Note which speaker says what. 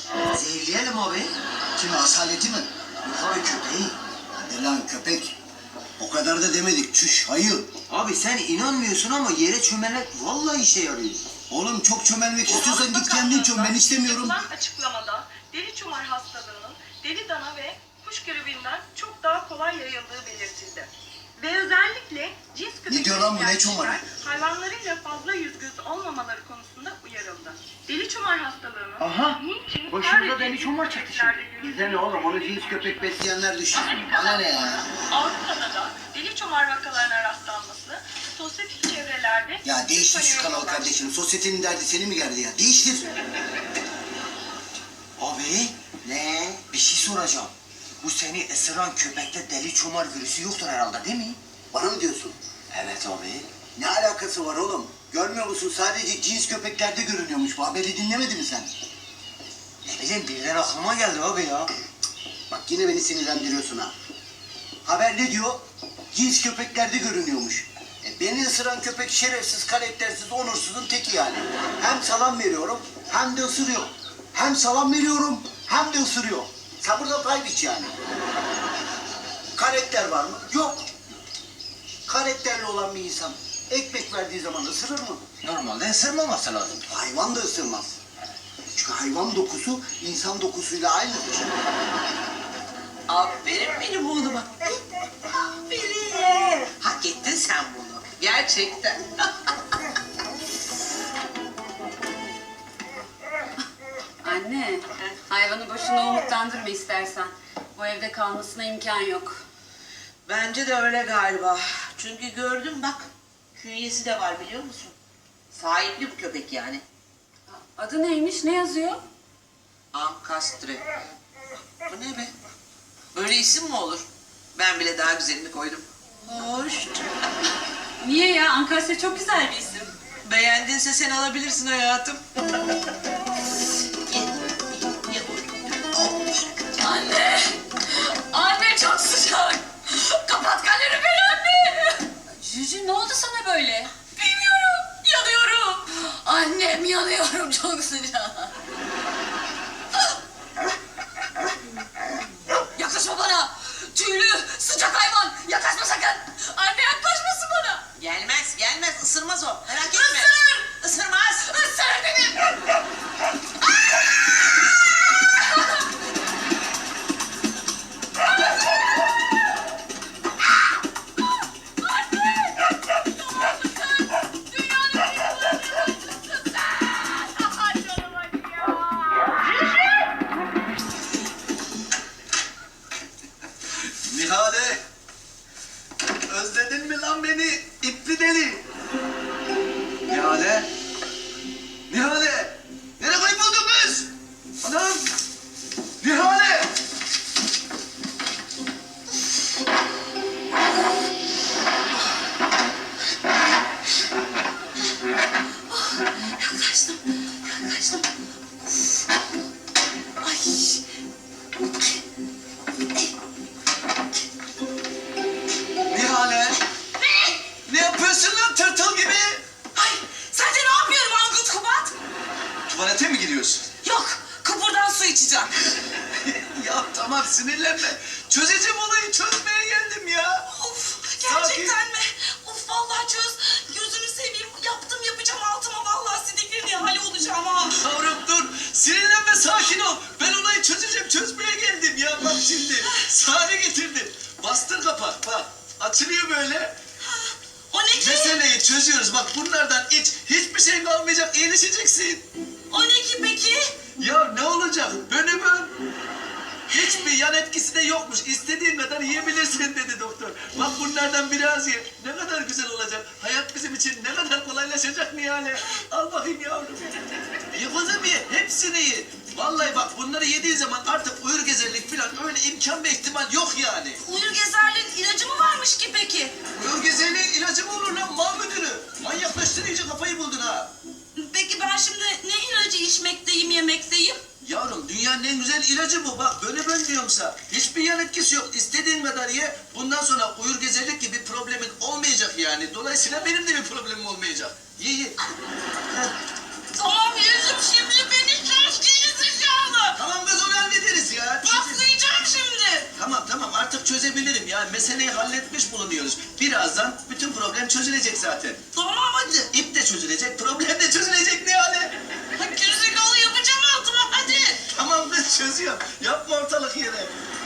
Speaker 1: Zehirleyelim abi.
Speaker 2: Kimi, asaleti mi?
Speaker 1: Yok abi köpeği.
Speaker 2: Hadi lan köpek. O kadar da demedik. Çüş, hayır.
Speaker 1: Abi sen inanmıyorsun ama yere çömelmek vallahi işe yarıyor.
Speaker 2: Oğlum çok çömelmek istiyorsan git kendin çöm. Ben istemiyorum.
Speaker 3: Yapılan açıklamada deli çomar hastalığının deli dana ve kuş gribinden çok daha kolay yayıldığı belirtildi. Ve özellikle cins
Speaker 2: Ne diyor lan bu, ne çomarı?
Speaker 3: hayvanlarıyla fazla yüz göz olmamaları konusunda uyarıldı. Deli çomar hastalığının
Speaker 1: Aha,
Speaker 3: niçin
Speaker 1: başımıza
Speaker 3: sadece
Speaker 1: deli çomar çaktı şimdi.
Speaker 3: köpeklerde
Speaker 2: Bize ne oğlum? Onu cins köpek besleyenler düşünsün. Bana ne ya?
Speaker 3: Avrupa'da da deli çomar vakalarına rastlanması sosyetik çevrelerde
Speaker 2: Ya değiştir şu kanalı
Speaker 3: ulaştı.
Speaker 2: kardeşim. Sosyetenin derdi seni mi geldi ya? Değiştir.
Speaker 1: Abi
Speaker 2: Ne?
Speaker 1: bir şey soracağım. Bu seni ısıran köpekte deli çomar virüsü yoktur herhalde değil mi?
Speaker 2: Bana mı diyorsun?
Speaker 1: Evet abi.
Speaker 2: Ne alakası var oğlum? Görmüyor musun? Sadece cins köpeklerde görünüyormuş. Bu haberi dinlemedin mi sen?
Speaker 1: Ne bileyim birden aklıma geldi abi ya.
Speaker 2: Bak yine beni sinirlendiriyorsun ha. Haber ne diyor? Cins köpeklerde görünüyormuş. Beni ısıran köpek şerefsiz, karaktersiz, onursuzun teki yani. Hem salam veriyorum hem de ısırıyor. Hem salam veriyorum hem de ısırıyor. Sen burada pay biç yani. Karakter var mı? Yok. Karakterli olan bir insan ekmek verdiği zaman ısırır mı?
Speaker 1: Normalde ısırmaması lazım.
Speaker 2: Hayvan da ısırmaz. Çünkü hayvan dokusu insan dokusuyla aynıdır.
Speaker 4: Aferin benim oğluma. Aferin. Hak ettin sen bunu. Gerçekten.
Speaker 5: Anne, hayvanı boşuna umutlandırma istersen. Bu evde kalmasına imkan yok.
Speaker 4: Bence de öyle galiba. Çünkü gördüm bak. Künyesi de var biliyor musun? Sahipli bu köpek yani.
Speaker 5: Adı neymiş, ne yazıyor?
Speaker 4: Ankastre. Bu ne be? Böyle isim mi olur? Ben bile daha güzelini koydum. Hoş.
Speaker 5: Niye ya? Ankastre çok güzel bir isim.
Speaker 4: Beğendinse sen alabilirsin hayatım. Ye, ye.
Speaker 5: Anne! Anne çok sıcak! Kapat kaloriferi anne! Cücü ne oldu sana böyle? Bilmiyorum, yanıyorum. Annem yanıyorum, çok sıcak. Yaklaşma bana! Tüylü, sıcak hayvan! Yaklaşma sakın! Anne yaklaşmasın bana!
Speaker 4: Gelmez, gelmez. Isırmaz o. Merak etme.
Speaker 5: Isır!
Speaker 4: Isırmaz.
Speaker 5: Isır dedim!
Speaker 2: Nihale! Özledin mi lan beni? İpli deli! Nihale! Nihale! Nereye kayboldun kız? Anam! Nihale!
Speaker 5: Yaklaştım, yaklaştım. Ay.
Speaker 2: Nihale! Ne yapıyorsun lan tırtıl gibi?
Speaker 5: Ay, sence ne yapıyorum Angut Kubat?
Speaker 2: Tuvalete mi gidiyorsun?
Speaker 5: Yok, kupurdan su içeceğim.
Speaker 2: Ya tamam sinirlenme. Çözeceğim olayı, çözmeye geldim ya.
Speaker 5: Of,
Speaker 2: Sakin.
Speaker 5: gerçekten mi? Of vallahi çöz. Gözünü seveyim. Yaptım yapacağım altıma vallahi sidikli hali olacağım ha.
Speaker 2: Yavrum dur. Sinirlenme, sakin ol. Ben olayı çözeceğim. Çözmeye geldim ya. Bak şimdi. Sahne getirdim. Bastır kapak. Bak. Açılıyor böyle.
Speaker 5: O ne ki?
Speaker 2: Meseleyi çözüyoruz. Bak bunlardan iç. Hiçbir şey kalmayacak. İyileşeceksin.
Speaker 5: O ne ki peki?
Speaker 2: Ya ne olacak? Bönümün. Hiçbir yan etkisi de yokmuş. İstediğin kadar yiyebilirsin dedi doktor. Bak bunlardan biraz ye. Ne kadar güzel olacak. Hayat bizim için ne kadar kolaylaşacak Nihale. Al bakayım yavrum. Ye kızım ye. Hepsini ye. Vallahi bak bunları yediğin zaman artık uyur gezerlik falan öyle imkan ve ihtimal yok yani.
Speaker 5: Uyur gezerliğin ilacı mı varmış ki peki?
Speaker 2: Uyur gezerliğin ilacı mı olur lan mal müdürü? Manyaklaştın iyice kafayı buldun ha.
Speaker 5: Peki ben şimdi ne ilacı içmekteyim, yemekteyim?
Speaker 2: Yavrum dünyanın en güzel ilacı bu. Bak böyle ben diyorumsa. Hiçbir yan etkisi yok. İstediğin kadar ye. Bundan sonra uyur gezerlik gibi problemin olmayacak yani. Dolayısıyla benim de bir problemim olmayacak. Ye ye.
Speaker 5: Tamam yedim şimdi beni çok geri zekalı.
Speaker 2: çözebilirim. Yani meseleyi halletmiş bulunuyoruz. Birazdan bütün problem çözülecek zaten.
Speaker 5: Tamam hadi.
Speaker 2: İp de çözülecek, problem de çözülecek Nihale.
Speaker 5: Gerizekalı yapacağım altıma hadi.
Speaker 2: Tamam kız çözüyorum. Yapma ortalık yere.